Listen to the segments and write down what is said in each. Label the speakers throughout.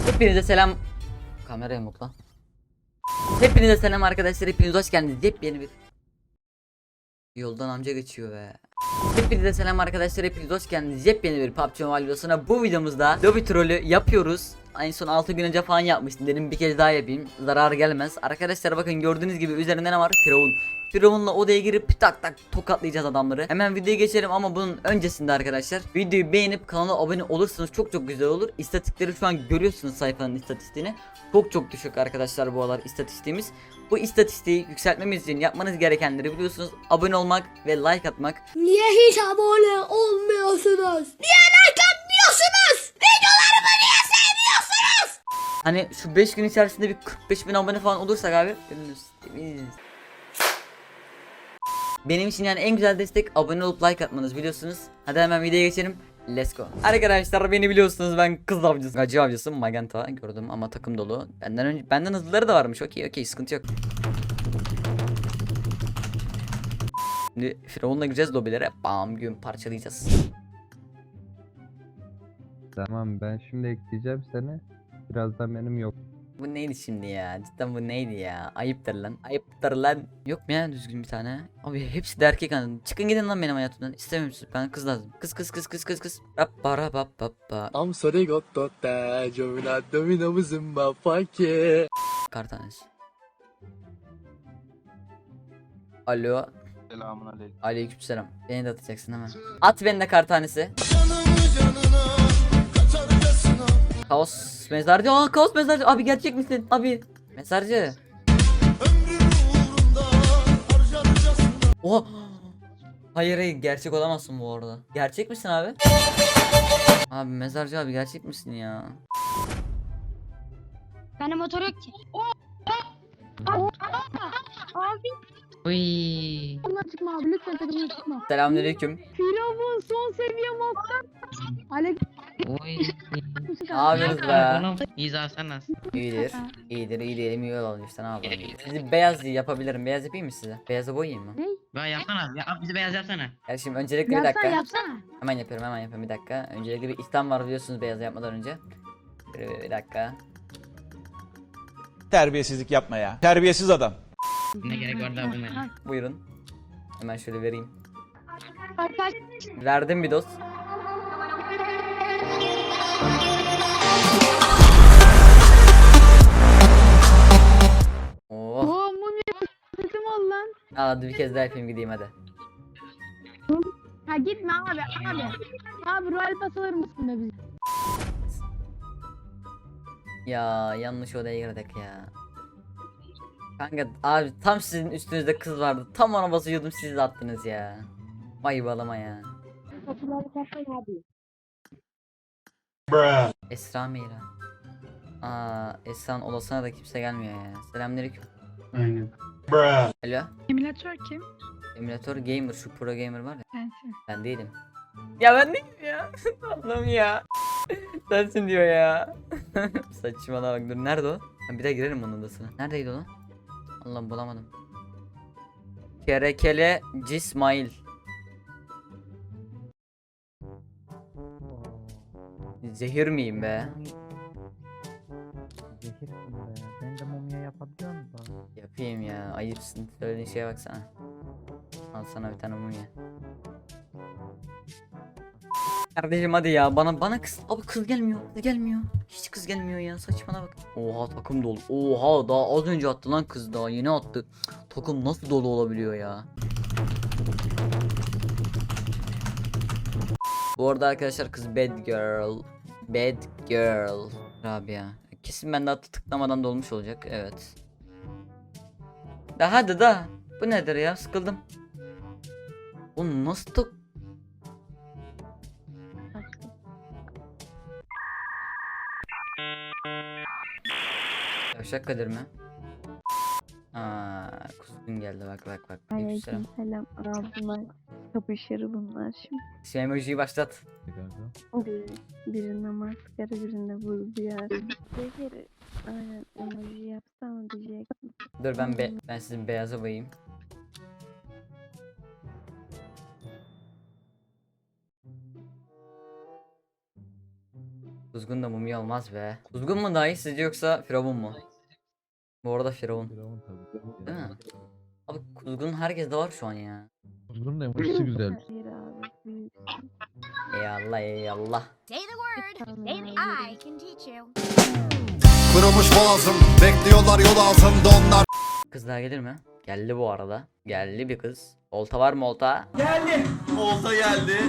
Speaker 1: Hepinize selam. Kameraya mı lan? Hepinize selam arkadaşlar. Hepiniz hoş geldiniz. Yepyeni bir yoldan amca geçiyor be. Hepinize selam arkadaşlar. Hepiniz hoş geldiniz. Yepyeni bir PUBG Mobile videosuna. Bu videomuzda lobby trolü yapıyoruz. En son 6 gün önce falan yapmıştım. Dedim bir kez daha yapayım. Zarar gelmez. Arkadaşlar bakın gördüğünüz gibi üzerinde ne var? Firavun. Firavun'la odaya girip tak tak tokatlayacağız adamları. Hemen videoya geçelim ama bunun öncesinde arkadaşlar videoyu beğenip kanala abone olursanız çok güzel olur. İstatistikleri şu an görüyorsunuz, sayfanın istatistiğini. Çok düşük arkadaşlar bu aralar istatistiğimiz. Bu istatistiği yükseltmemiz için yapmanız gerekenleri biliyorsunuz. Abone olmak ve like atmak.
Speaker 2: Niye hiç abone olmuyorsunuz? Niye like atmıyorsunuz? Videolarımı niye sevmiyorsunuz?
Speaker 1: Hani şu 5 gün içerisinde bir 45.000 abone falan olursak abi temiz. Benim için yani en güzel destek abone olup like atmanız biliyorsunuz. Hadi hemen videoya geçelim. Let's go. Arkadaşlar beni biliyorsunuz, ben kız avcısı. Gacı avcısı Magenta gördüm ama takım dolu. Benden hızlıları da varmış. Okey sıkıntı yok. Şimdi Firavun'la gireceğiz lobilere. Bam gün parçalayacağız.
Speaker 3: Tamam, ben şimdi ekleyeceğim seni. Birazdan benim yok.
Speaker 1: Bu neydi şimdi ya? Cidden bu neydi ya? Ayıptır lan. Ayıptır lan. Yok mu ya düzgün bir tane? Abi hepsi de erkek anladın. Çıkın gidin lan benim hayatımdan. İstemiyorum sizi. Ben kız lazım. Kız. Rappara bap.
Speaker 4: I'm sorry got that giovinetto mi namazım mafake.
Speaker 1: Kar tanesi. Alo.
Speaker 5: Selamünaleyküm.
Speaker 1: Aleykümselam. Beni de atacaksın hemen. At beni de kar tanesi. Kaos mezarcı. Aa kaos mezarcı. Abi gerçek misin? Abi. Mezarcı. Oha. Hayır gerçek olamazsın bu arada. Gerçek misin abi? Abi mezarcı abi gerçek misin ya?
Speaker 2: Bende motor yok ki. Abi.
Speaker 1: Uy.
Speaker 2: Takımdan çıkma abi, lütfen takımdan çıkma.
Speaker 1: Selamünaleyküm.
Speaker 2: Firavun son seviye master. Aleyküm.
Speaker 6: Oy.
Speaker 1: Ne yapıyorsunuz be?
Speaker 6: Oğlum İza sen nasıl?
Speaker 1: İyidir elim iyi olalım işte, ne yapalım. Sizi beyaz yapabilirim. Beyaz yapayım mı size? Beyaza boyayayım mı?
Speaker 6: Ben yapsana. Ya bizi beyaz yapsana.
Speaker 1: Ya şimdi öncelikle bir dakika.
Speaker 2: Yapsana.
Speaker 1: Hemen yapıyorum bir dakika. Öncelikle bir işlem var biliyorsunuz beyaz yapmadan önce. Bir dakika.
Speaker 7: Terbiyesizlik yapma ya. Terbiyesiz adam.
Speaker 6: Ne gerek var daha buna?
Speaker 1: Buyurun. Hemen şöyle vereyim.
Speaker 2: Arkadaş.
Speaker 1: Verdim bir dost. Oh.
Speaker 2: Oo mumya sesim ol lan.
Speaker 1: Hadi bir kez daha yapayım gideyim hadi.
Speaker 2: Ha gitme abi. Abi Royal Pass alır mısın be bize?
Speaker 1: Ya yanlış odaya girdik ya. Kanka abi tam sizin üstünüzde kız vardı. Tam ona basıyordum, siz de attınız ya. Vay balama ya.
Speaker 2: Kapıları kapayın abi.
Speaker 1: Esra Meyra. Esra'nın odasına da kimse gelmiyor ya. Selamünaleyküm.
Speaker 5: Aynen.
Speaker 1: Alo.
Speaker 2: Emülatör kim?
Speaker 1: Emülatör gamer, şu pro gamer var ya.
Speaker 2: Sensin.
Speaker 1: Ben değilim. Ya ben değilim ya. Allah'ım ya. Sensin diyor ya. Saçmalama bak, dur nerede o? Ben bir daha girerim onun odasına. Neredeydi o lan? Allah'ım bulamadım. Kerekele Cismail. Zehir miyim be?
Speaker 3: Zehirsin be. Ben de mumya yapabiliyor musun?
Speaker 1: Yapayım ya, ayıpsın. Söylediğin şeye baksana. Al sana bir tane mumya. Kardeşim hadi ya, bana kız. Abi kız gelmiyor. Hiç kız gelmiyor ya, saçmana bak. Oha takım dolu. Oha daha az önce attı lan kız, daha yeni attı. Takım nasıl dolu olabiliyor ya? Bu arada arkadaşlar kız bad girl. Rabia. Kesin ben daha tıklamadan dolmuş olacak, evet. Hadi da. Bu nedir ya, sıkıldım. O nasıl tak... Yavşak Kadir mi? Kuzgun geldi bak. Aleykümselam.
Speaker 8: Selam bunlar kapışır bunlar şimdi.
Speaker 1: Şu emojiyi başlat.
Speaker 8: Birinde maskara birinde buz diyar. Zehiri aynen emoji yapsam diyecek.
Speaker 1: Dur ben sizin beyaza boyayayım. Kuzgun da mumya olmaz be. Kuzgun mu daha iyi sizce yoksa Firavun mu? Bu arada Firavun.
Speaker 3: Firavun tabii.
Speaker 1: Değil mi? Abi Kuzgun herkeste var şu an ya.
Speaker 3: Kuzgunun da emojisi güzel.
Speaker 8: Hayır abi büyüksün.
Speaker 1: Eyvallah eyvallah.
Speaker 9: Say the word,
Speaker 8: Tamam,
Speaker 9: and
Speaker 8: hayır.
Speaker 9: I can teach you.
Speaker 10: Kırılmış boğazım, bekliyorlar yol altında onlar.
Speaker 1: Kız daha gelir mi? Geldi bu arada. Geldi bir kız. Olta var mı olta?
Speaker 10: Olta geldi.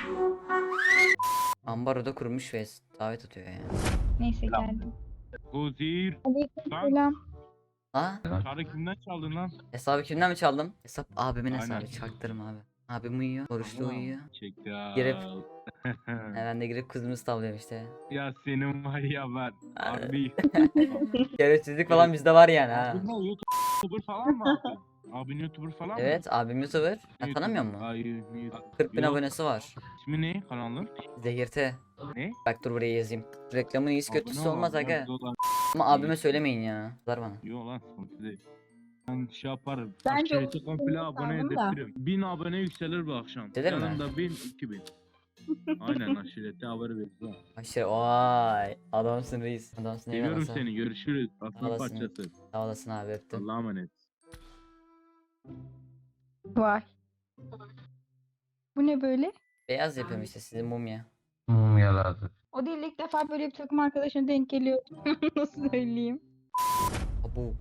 Speaker 1: Ambaroda kurmuş ve davet atıyor ya.
Speaker 2: Neyse geldim.
Speaker 5: Huzir.
Speaker 2: Selam.
Speaker 1: Ha?
Speaker 5: Çarı kimden çaldın lan?
Speaker 1: Hesabı kimden mi çaldım? Hesap abimin
Speaker 5: Aynen.
Speaker 1: hesabı. Çaktırım abi. Abim uyuyor. Oruçlu
Speaker 5: Tamam.
Speaker 1: uyuyor.
Speaker 5: Çek ya.
Speaker 1: Girip. Ben de girip kızımızı tavlıyorum işte.
Speaker 5: Ya senin var ya ben. Abi.
Speaker 1: Şerefsizlik falan bizde var yani ha.
Speaker 5: Abi ne YouTuber falan mı abi? Abin YouTuber falan mı?
Speaker 1: Evet abim YouTuber.
Speaker 5: Ne
Speaker 1: Ya, tanımıyor musun?
Speaker 5: Hayır.
Speaker 1: 40 bin
Speaker 5: Yok.
Speaker 1: abonesi var.
Speaker 5: İsmi ne kanalın?
Speaker 1: Zehirte.
Speaker 5: Ne?
Speaker 1: Bak dur buraya yazayım. Reklamın iyisi kötüsü olmaz aga.
Speaker 5: Yok
Speaker 1: Ama abime söylemeyin ya. Kızar bana.
Speaker 5: lan sıkıntı değil. Ben şey yaparım.
Speaker 2: Bence
Speaker 5: Şehri komple abone
Speaker 2: sandım da.
Speaker 5: ederim. 1000 abone yükselir bu akşam.
Speaker 1: Yükselir mi?
Speaker 5: Yanında 1000, 2000. Aynen aşirete haber vereceğim.
Speaker 1: Aşırı vay. Adamsın reis. Adamsın
Speaker 5: Seviyorum
Speaker 1: eyvallah.
Speaker 5: seni. Görüşürüz. Aslan
Speaker 1: Olasın.
Speaker 5: parçası.
Speaker 1: Sağ olasın abi öptüm.
Speaker 5: Allah'a emanet.
Speaker 2: Vay. Bu ne böyle?
Speaker 1: Beyaz yapıyorum işte sizin mumya.
Speaker 3: Mumyalardı.
Speaker 2: O değil, ilk defa böyle bir takım arkadaşına denk geliyor. Nasıl söyleyeyim?
Speaker 1: Abu.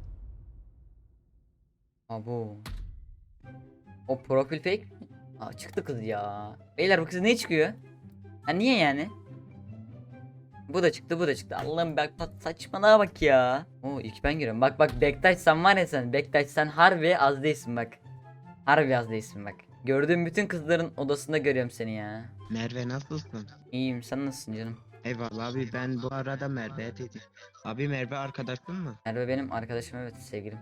Speaker 1: Abu. O profil fake mi? Aa çıktı kız ya. Beyler bu kız ne çıkıyor? Ha niye yani? Bu da çıktı bu da çıktı. Allah'ım bak saçmalığa bak ya. Oo ilk ben giriyorum. Bak Bektaş sen var ya sen. Bektaş sen harbi az değilsin bak. Harbi az değilsin bak. Gördüğüm bütün kızların odasında görüyorum seni ya.
Speaker 11: Merve nasılsın?
Speaker 1: İyiyim sen nasılsın canım?
Speaker 11: Eyvallah abi ben bu arada Merve'ye dedim. Abi Merve arkadaşın mı?
Speaker 1: Merve benim arkadaşım evet sevgilim.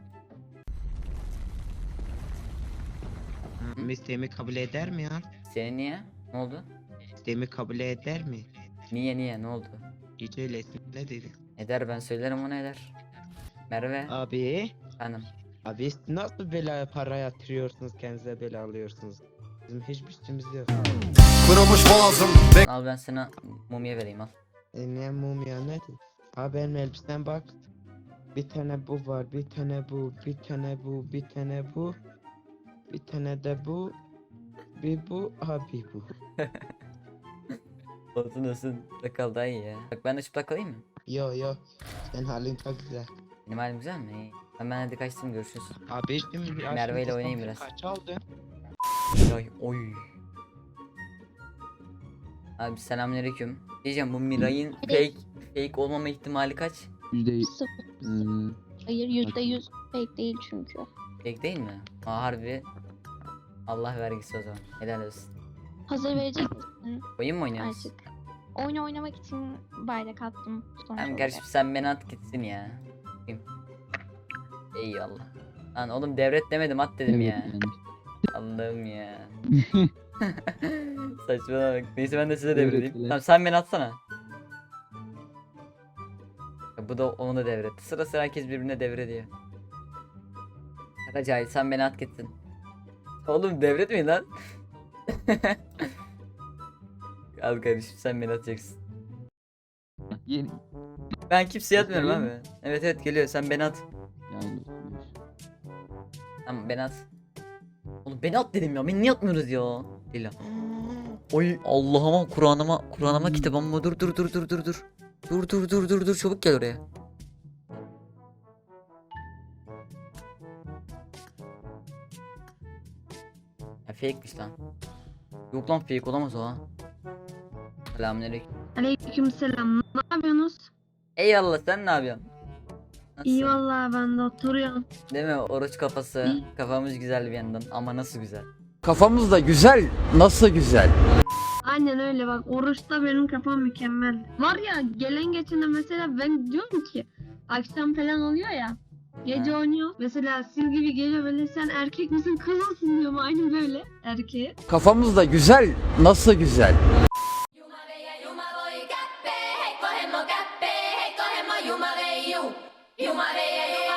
Speaker 11: İsteğimi kabul eder mi ya?
Speaker 1: Senin niye? Ne oldu?
Speaker 11: İsteğimi kabul eder mi?
Speaker 1: Niye ne oldu?
Speaker 11: Hiç öylesin ne dedi?
Speaker 1: Eder ben söylerim ona eder. Merve
Speaker 11: Abi.
Speaker 1: efendim.
Speaker 11: Abi nasıl böyle para yatırıyorsunuz kendinize böyle alıyorsunuz? Bizim hiçbir şeyimiz yok.
Speaker 10: Kırılmış boğazım,
Speaker 1: Al ben sana mumya vereyim al.
Speaker 11: Ne mumya nedir? Abi benim elbisem bak. Bir tane bu var, bir tane bu, bir tane bu, bir tane bu. Bir tane de bu. Bir bu, abi bu.
Speaker 1: Olsun. Sakal daha iyi ya. Bak ben de çıplak kalayım mı?
Speaker 11: Yo, sen halin çok güzel.
Speaker 1: Benim halim güzel mi? İyi. Ben hadi kaçtım görüşürüz.
Speaker 11: Abi şimdi
Speaker 1: Merve ile oynayayım biraz.
Speaker 11: Kaç aldın?
Speaker 1: Miray oy. Abi selamünaleyküm. Diyeceğim bu Miray'ın fake olmama ihtimali kaç?
Speaker 8: Hayır %100 fake değil çünkü.
Speaker 1: Fake değil mi? Aa harbi. Allah vergisi o zaman. Helal olsun.
Speaker 8: Hazır verecek misin
Speaker 1: Oyun mu oynuyoruz?
Speaker 8: artık? Oyun oynamak için bayrak attım.
Speaker 1: Hem kardeşim sen beni at gitsin ya. Bakayım. Eyvallah. Lan oğlum devret demedim at dedim ya. Allah'ım ya. Saçmalama bak. Neyse ben de size devredeyim. Tamam sen beni atsana. Ya bu da onu da devretti. Sıra sıra herkes birbirine devrediyor. Karacahil sen beni at gitsin. Oğlum devretmeyin lan. Al kardeşim sen beni atacaksın.
Speaker 3: Yeni.
Speaker 1: Ben kimseye atmıyorum abi. Evet geliyor sen beni at. Tamam beni at. Oğlum beni at dedim ya. Beni niye atmıyoruz ya? Değil ya. Oy Allah'ıma Kur'an'ıma kitabıma dur. Dur çabuk gel oraya. Ya fake'miş lan. Yok lan fake olamaz o ha. Selamünaleyküm.
Speaker 2: Aleykümselam. Ne yapıyorsunuz?
Speaker 1: Eyvallah sen ne yapıyorsun? Nasılsın?
Speaker 2: İyi vallahi ben de oturuyorum.
Speaker 1: Değil mi? Oruç kafası. Kafamız güzel bir yandan ama nasıl güzel.
Speaker 4: Kafamız da güzel, nasıl güzel.
Speaker 2: Aynen öyle bak, oruçta benim kafam mükemmel. Var ya gelen geçene mesela ben diyorum ki akşam falan oluyor ya. Gece
Speaker 1: Ha.
Speaker 2: oynuyor. Mesela siz gibi geliyor böyle, sen erkek misin kız mısın diyorum, aynı böyle erkeğe.
Speaker 4: Kafamız da güzel, nasıl güzel.
Speaker 9: Yuma